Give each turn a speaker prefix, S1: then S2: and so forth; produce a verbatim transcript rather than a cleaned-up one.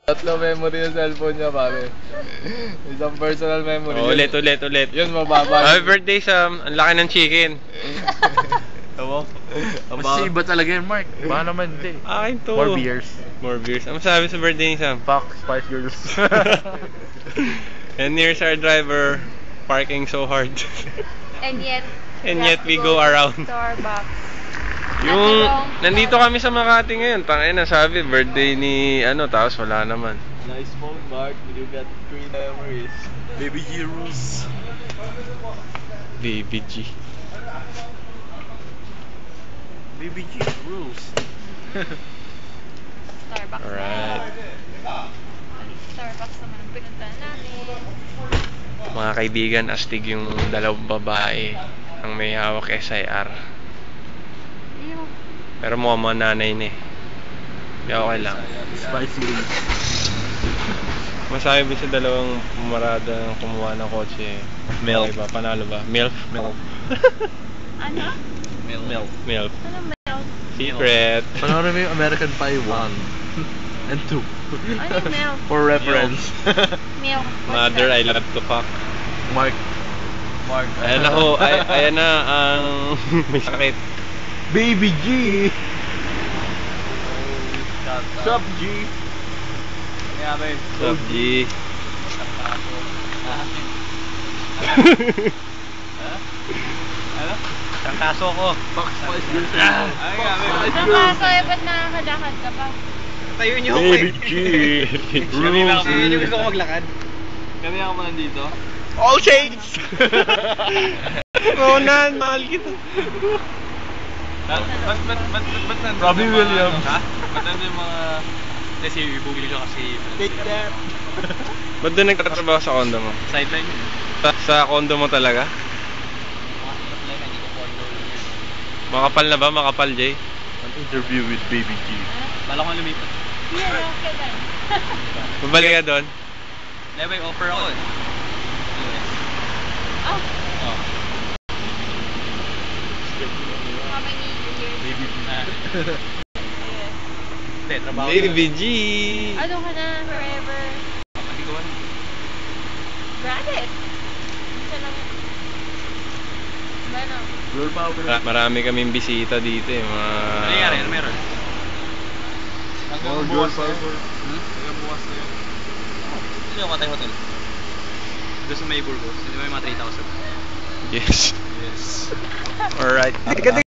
S1: Tatlo memory yung cellphone niya, pare. Isang personal memory.
S2: Oh, ulit, ulit, ulit.
S1: Yun, mababa.
S2: Happy birthday, Sam. Ang laki ng chicken.
S1: Tama?
S3: Mas iba talaga yun, Mark. Baka naman hindi.
S2: Akin to.
S3: More beers.
S2: More beers. Ano masabi sa birthday ni Sam?
S3: Fuck Spice Girls.
S2: And here's our driver parking so hard.
S4: And yet,
S2: And yet we go around.
S4: Starbucks.
S2: Yung nandito kami sa Makati ngayon, tangin na sabi birthday ni ano, tapos wala naman.
S1: Nice phone, Mark. You got three memories. Baby G rules.
S2: Baby G.
S3: Baby G rules.
S4: Starbucks.
S2: Alright.
S4: Starbucks naman ang pinuntahan namin.
S2: Mga kaibigan, astig yung dalawang babae ang may hawak S I R. Pero mukhang mga nanay na eh. Hindi okay lang.
S3: Spice Girls.
S2: Masabi sa dalawang pumarada ng kumuha ng kotse.
S3: Milk.
S2: Okay ba? Panalo ba? Milk?
S3: Milk.
S4: Ano?
S3: Milk. Milk.
S2: Milk.
S4: Ano milk?
S2: Secret.
S3: Panoorin mo yung American Pie one and two.
S4: Ano yung milk?
S3: For reference.
S4: Milk.
S2: Mother, I love to fuck.
S3: Mark.
S1: Mark.
S2: Ayan ako, ay, ayan na ang may sakit.
S3: Baby G. Sup G?
S1: Kaya ba yun?
S2: Sup, G?
S1: Ano?
S3: Ang kaso ko. Fuck Spice Girls.
S1: Ay, kaya ba yun?
S4: Ang kaso eh, ba't nakakalakad ka pa?
S3: Tayo niyo ako
S2: Baby
S3: eh.
S2: G.
S3: Kanina ako, hindi gusto ko maglakad.
S1: Kami ako man nandito.
S3: All shades!
S2: Ronan, mahal kita.
S1: Ba't, ba't, ba't, ba't, ba't nandun
S3: Robbie
S1: yung mga,
S3: Williams.
S1: ano, ha? Ba't nandun yung mga... Kasi ibubili ko kasi...
S3: Take that.
S2: Ba't doon nagtatrabaho sa condo mo?
S1: Sideline yun.
S2: Sa, sa condo mo talaga? Makapal na ba? Makapal, Jay?
S3: An interview with Baby G.
S1: Bala ko lumipat.
S4: Yan, okay lang.
S2: Babalik ka doon?
S1: Hindi, may offer ako eh.
S4: Oh,
S1: Oh.
S4: how many years?
S3: Baby G.
S1: Hindi, trabaho
S2: Baby G.
S4: Ano ka na, forever?
S1: Hindi ko ano.
S4: Granted. Isa lang. Ano?
S3: Girl power.
S2: Mara- Marami kaming bisita dito eh. Mga...
S1: Ano nangyari? Ano meron?
S3: More girl power.
S1: Hmm? Hanggang bukas na yun. Sino yung Katay Hotel? Doon sa may Burgos. Hindi mo yung mga three thousand.
S2: Yes.
S1: Yes.
S2: Alright.